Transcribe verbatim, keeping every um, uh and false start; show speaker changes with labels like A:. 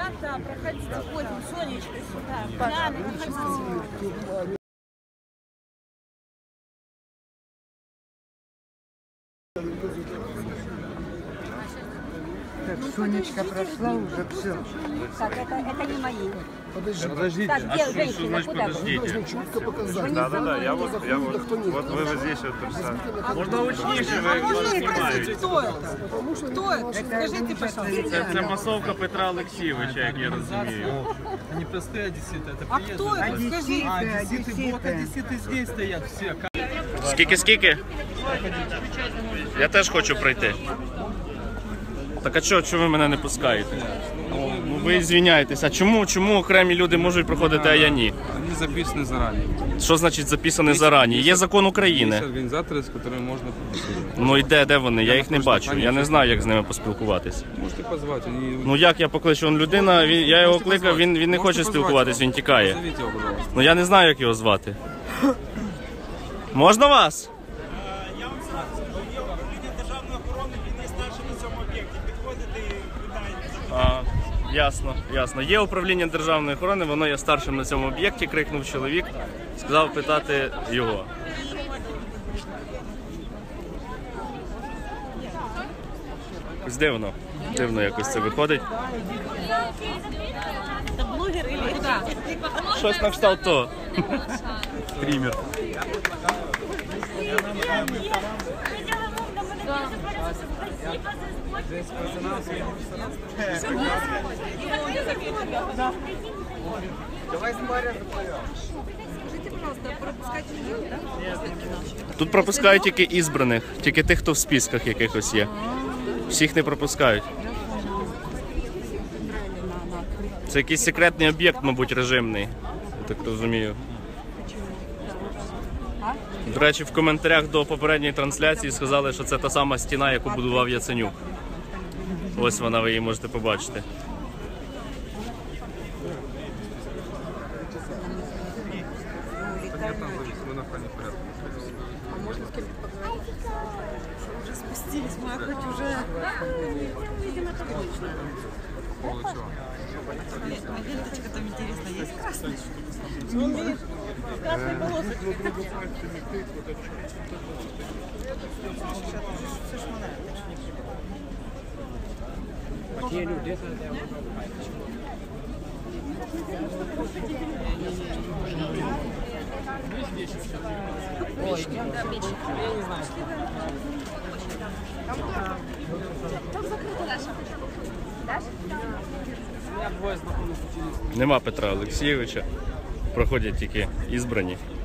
A: Да, да, проходите, ходим, Сонечка сюда. Да, проходите.
B: Так, Сонечка прошла уже, все.
C: Так, это, это не мои.
D: Подождите.
E: Подождите.
C: Так, где
E: А что,
C: женщина,
E: что значит
C: куда вы?
E: подождите?
D: Нужно четко показать.
E: Да, да, да, я вот, я вот, вот вы вот здесь вот представьте. Можно учніше, ви вас знімаєте.
A: Кто это? Кто это? Скажите, пожалуйста.
E: Це, це масовка Петра Олексійовича, як я розумію.
F: Они простые одесситы, это
A: А
F: приезжие.
A: кто это? Скажите.
F: А, одесситы, вот одесситы здесь стоят все.
E: Скільки-скільки? Я теж хочу пройти. Так а чого, чого ви мене не пускаєте? Ну, ви звиняєтесь. А чому, чому окремі люди можуть проходити, а я ні?
G: Они записаны заранее.
E: Що значить записані зарані? Є закон
G: Есть
E: України.
G: организаторы, с которыми можно побеседовать.
E: Ну і де, де вони? Я їх не бачу. Я не знаю, як з ними поспілкуватись.
G: Можете позвать, они...
E: Ну як я покличу? Он людина, він, я його
G: Можете
E: кликав,
G: позвати.
E: він, він не
G: Можете
E: хоче
G: позвати
E: спілкуватись,
G: його.
E: він тікає.
G: Позовите его, пожалуйста.
E: Ну я не знаю, як його звати. Можна вас?
H: Я вам скажу, є управління державної охорони, він є старшим на цьому об'єкті. Підходите і питаєте.
E: А, ясно, ясно. Є управління державної охорони, воно є старшим на цьому об'єкті, крикнув чоловік, сказав питати його. Ось дивно, дивно якось це виходить.
A: Это блогер или куда?
E: Щось на кшталт того. Примір. Тут пропускають тільки ізбраних, тільки тих, хто в списках якихось є. Всіх не пропускають. Це якийсь секретний об'єкт, мабуть, режимний. Я так розумію. До речі, в коментарях до попередньої трансляції сказали, що це та сама стіна, яку будував Яценюк. Ось вона, ви її можете побачити.
G: Мы на охране порядка.
A: Уже спустились, мы хоть уже...
G: По поводу чего?
A: А ленточка там интересно, есть красный? Он видит красной полосочкой.
E: Нема Петра Олексійовича, проходять тільки ізбрані.